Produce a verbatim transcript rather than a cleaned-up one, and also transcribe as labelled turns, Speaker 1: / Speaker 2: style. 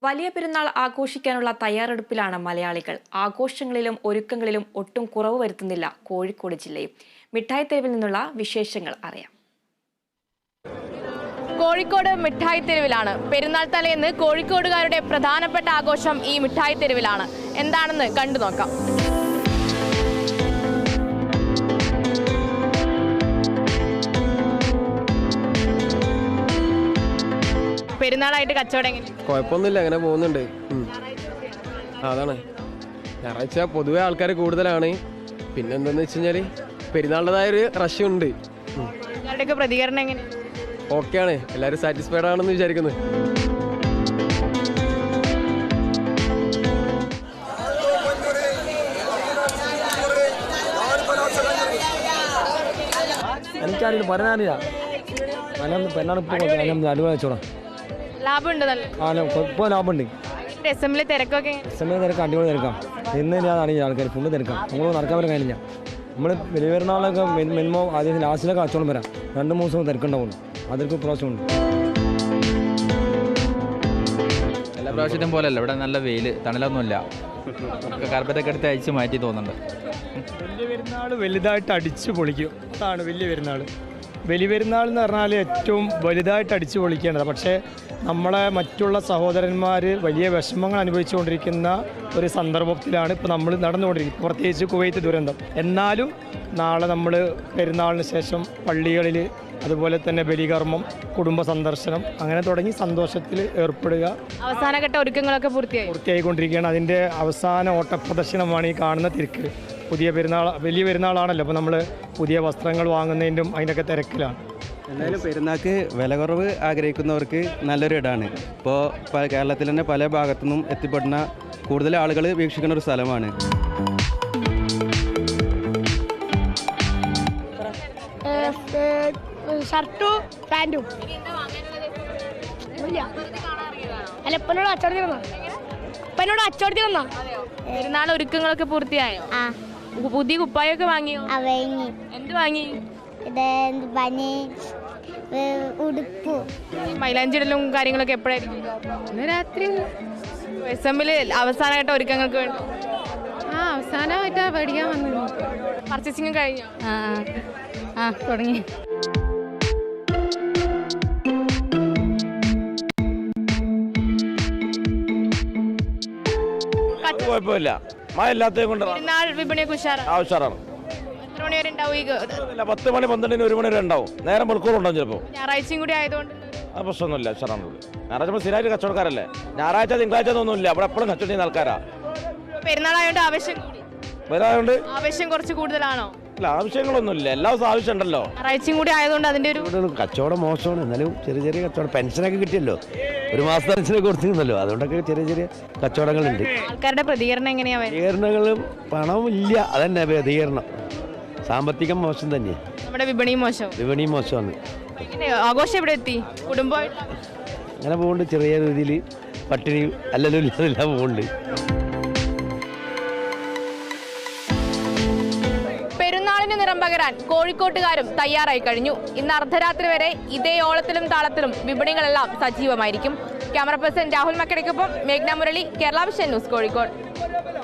Speaker 1: വലിയ പെരുന്നാൾ ആഘോഷിക്കാനുള്ള തയ്യാറെടുപ്പിലാണ് മലയാളികൾ. ആഘോഷങ്ങളിലും ഒരുക്കങ്ങളിലും ഒട്ടും കുറവ് വരുത്തുന്നില്ല കോഴിക്കോട് ജില്ലയും. മിഠായിത്തെരുവിൽ നിന്നുള്ള വിശേഷങ്ങൾ അറിയാം.
Speaker 2: കോഴിക്കോട് മിഠായിത്തെരുവിലാണ്. പെരുന്നാൾ തലേന്ന് കോഴിക്കോടുകാരുടെ പ്രധാനപ്പെട്ട ആഘോഷം ഈ മിഠായിത്തെരുവിലാണ്. എന്താണെന്ന് കണ്ടു നോക്കാം. പെരുന്നാളായിട്ട് കച്ചവടം എങ്ങനെ?
Speaker 3: കുഴപ്പമൊന്നുമില്ല, അങ്ങനെ പോകുന്നുണ്ട്. അതാണ് ഞായറാഴ്ച പൊതുവെ ആൾക്കാർ കൂടുതലാണ്. പിന്നെ എന്താന്ന് വെച്ച് കഴിഞ്ഞാൽ പെരുന്നാളിൻ്റെതായ ഒരു റഷ് ഉണ്ട്.
Speaker 2: നിങ്ങളുടെയൊക്കെ പ്രതികരണം എങ്ങനെ?
Speaker 3: ഓക്കെയാണ്, എല്ലാവരും സാറ്റിസ്ഫൈഡ് ആണെന്ന് വിചാരിക്കുന്നു.
Speaker 4: എനിക്കറിയില്ല, പറയാനില്ല.
Speaker 2: ലാഭമുണ്ട്,
Speaker 4: ഇപ്പോൾ ലാഭമുണ്ട്.
Speaker 2: അസംബ്ലി തിരക്കൊക്കെ
Speaker 4: അസംബ്ലി തിരക്ക് അടിപൊളി തിരക്കാം. ഇന്ന് ഞാൻ അറിയില്ല, ആൾക്കാർ ഫുള്ള് തിരക്കാം. നമ്മൾ നടക്കാൻ വരാൻ കഴിഞ്ഞില്ല. നമ്മൾ വലിയ പെരുന്നാളൊക്കെ മിനിമം ആദ്യം ലാസ്റ്റിലൊക്കെ കച്ചവടം വരാം. രണ്ട് മൂന്ന് ദിവസം തിരക്കുണ്ടാവുള്ളൂ. അതൊക്കെ പ്രാവശ്യമുണ്ട്.
Speaker 5: എല്ലാ പ്രാവശ്യത്തും പോലെയല്ല, ഇവിടെ നല്ല വെയിൽ, തണലൊന്നുമില്ല. കാർപ്പറ്റൊക്കെ എടുത്ത് അയച്ച് മാറ്റി തോന്നുന്നുണ്ട്.
Speaker 6: വലിയ പെരുന്നാൾ വലുതായിട്ട് അടിച്ചു പൊളിക്കും. അതാണ് വലിയ പെരുന്നാൾ. വലിയ പെരുന്നാൾ എന്ന് പറഞ്ഞാൽ ഏറ്റവും വലുതായിട്ട് അടിച്ചു പൊളിക്കേണ്ടത്. പക്ഷേ നമ്മളെ മറ്റുള്ള സഹോദരന്മാർ വലിയ വിഷമങ്ങൾ അനുഭവിച്ചുകൊണ്ടിരിക്കുന്ന ഒരു സന്ദർഭത്തിലാണ് ഇപ്പോൾ നമ്മൾ നടന്നുകൊണ്ടിരിക്കുന്നത്, പ്രത്യേകിച്ച് കുവൈത്ത് ദുരന്തം. എന്നാലും നാളെ നമ്മൾ പെരുന്നാളിന് ശേഷം പള്ളികളിൽ അതുപോലെ തന്നെ ബലികർമ്മം, കുടുംബ സന്ദർശനം, അങ്ങനെ തുടങ്ങി സന്തോഷത്തിൽ ഏർപ്പെടുക.
Speaker 2: അവസാനഘട്ട ഒരുക്കങ്ങളൊക്കെ പൂർത്തിയായി
Speaker 6: പൂർത്തിയായിക്കൊണ്ടിരിക്കുകയാണ്. അതിൻ്റെ അവസാന ഓട്ടപ്രദർശനമാണ് ഈ കാണുന്ന തിരക്ക്. പുതിയ പെരുന്നാൾ, വലിയ പെരുന്നാളാണല്ലോ, അപ്പോൾ നമ്മൾ പുതിയ വസ്ത്രങ്ങൾ വാങ്ങുന്നതിൻ്റെയും അതിൻ്റെയൊക്കെ തിരക്കിലാണ്.
Speaker 7: എന്തായാലും പെരുന്നാൾക്ക് വില കുറവ് ആഗ്രഹിക്കുന്നവർക്ക് നല്ലൊരു ഇടമാണ്. ഇപ്പോൾ കേരളത്തിൽ തന്നെ പല ഭാഗത്തു നിന്നും എത്തിപ്പെടുന്ന കൂടുതൽ ആളുകൾ വീക്ഷിക്കുന്ന ഒരു സ്ഥലമാണ്.
Speaker 8: ഷർട്ടും പാൻറ്റും അല്ല ഇപ്പനോട് അച്ചോടത്തി വന്നാ ഇപ്പനോട് അച്ചോടത്തി വന്നാ
Speaker 2: പെരുന്നാൾ ഒരുക്കങ്ങളൊക്കെ പൂർത്തിയായോ? പുതിയ കുപ്പായൊക്കെ വാങ്ങിയോ? എന്ത് വാങ്ങി?
Speaker 8: ഉടുപ്പ്,
Speaker 2: മൈലാഞ്ചിടലും കാര്യങ്ങളൊക്കെ എപ്പോഴായിരിക്കും?
Speaker 9: രാത്രി.
Speaker 2: അസംബ്ലി അവസാനമായിട്ട് ഒരുക്കങ്ങൾക്ക് വേണ്ടി
Speaker 9: ആ അവസാനമായിട്ടാ പഠിക്കാൻ വന്നു.
Speaker 2: പർച്ചേസിംഗ് കഴിഞ്ഞോ?
Speaker 9: ആ ആ തുടങ്ങി.
Speaker 10: കുഴപ്പമില്ല, മഴ ഇല്ലാത്തത് കൊണ്ട്
Speaker 2: പെരുന്നാൾ വിപണിയൊക്കെ ഉഷാറാണ്.
Speaker 10: ഉഷാറാണ്.
Speaker 2: എത്ര മണി വരെ ഉണ്ടാവും? ഈ
Speaker 10: പത്ത് മണി പന്ത്രണ്ടിന് ഒരു മണി വരെ ഉണ്ടാവും. നേരം മണിക്കൂറുണ്ടാവും ചിലപ്പോൾ.
Speaker 2: ഞായറാഴ്ചയും കൂടി ആയതുകൊണ്ട്
Speaker 10: ആ പ്രശ്നമൊന്നുമില്ല, ഉഷാറാണുള്ളത്. ഞായറാഴ്ച നമ്മൾ സ്ഥിരമായിട്ട് കച്ചവടക്കാരല്ലേ. ഞായറാഴ്ച തിങ്കളാഴ്ച ഒന്നുമില്ല, അവിടെ എപ്പോഴും കച്ചവടം ചെയ്യുന്ന ആൾക്കാരാ.
Speaker 2: പെരുന്നാളായതുകൊണ്ട് ആവശ്യം കൂടി.
Speaker 10: വരാതുകൊണ്ട്
Speaker 2: ആവശ്യം കുറച്ച് കൂടുതലാണോ?
Speaker 10: അല്ല, ആവശ്യങ്ങളൊന്നുമില്ല, എല്ലാ ദിവസവും ആവശ്യം ഉണ്ടല്ലോ.
Speaker 2: ഞായറാഴ്ചയും കൂടി ആയതുകൊണ്ട് അതിന്റെ ഒരു
Speaker 11: കച്ചവടം മോശമാണ്. എന്നാലും ചെറിയ ചെറിയ കച്ചവടം, പെൻഷനൊക്കെ കിട്ടിയല്ലോ, ഒരു മാസത്തെ പെൻഷനൊക്കെ കൊടുത്തിരുന്നല്ലോ, അതുകൊണ്ടൊക്കെ ചെറിയ ചെറിയ കച്ചവടങ്ങളുണ്ട്.
Speaker 2: ആൾക്കാരുടെ പ്രതികരണം എങ്ങനെയാ?
Speaker 11: പ്രതികരണങ്ങളും പണമില്ല, അതന്നെ പ്രതികരണം. സാമ്പത്തികം മോശം തന്നെ,
Speaker 2: നമ്മുടെ വിപണി മോശം.
Speaker 11: വിപണി മോശമാണ്.
Speaker 2: ആഘോഷം എവിടെ എത്തി? കുടുംബമായിട്ട്
Speaker 11: അങ്ങനെ പോകുന്നുണ്ട്. ചെറിയ രീതിയിൽ പട്ടിണി അല്ലല്ലോ ഇല്ലാതെല്ലാം പോകുന്നുണ്ട്.
Speaker 2: പെരുന്നാളിന് നിറം പകരാൻ കോഴിക്കോട്ടുകാരും തയ്യാറായി കഴിഞ്ഞു. ഇന്ന് അർദ്ധരാത്രി വരെ ഇതേ ഓളത്തിലും താളത്തിലും വിപണികളെല്ലാം സജീവമായിരിക്കും. ക്യാമറ പേഴ്സൺ രാഹുൽ മക്കടയ്ക്കൊപ്പം മേഘ്ന മുരളി, കേരള വിഷൻ ന്യൂസ്, കോഴിക്കോട്.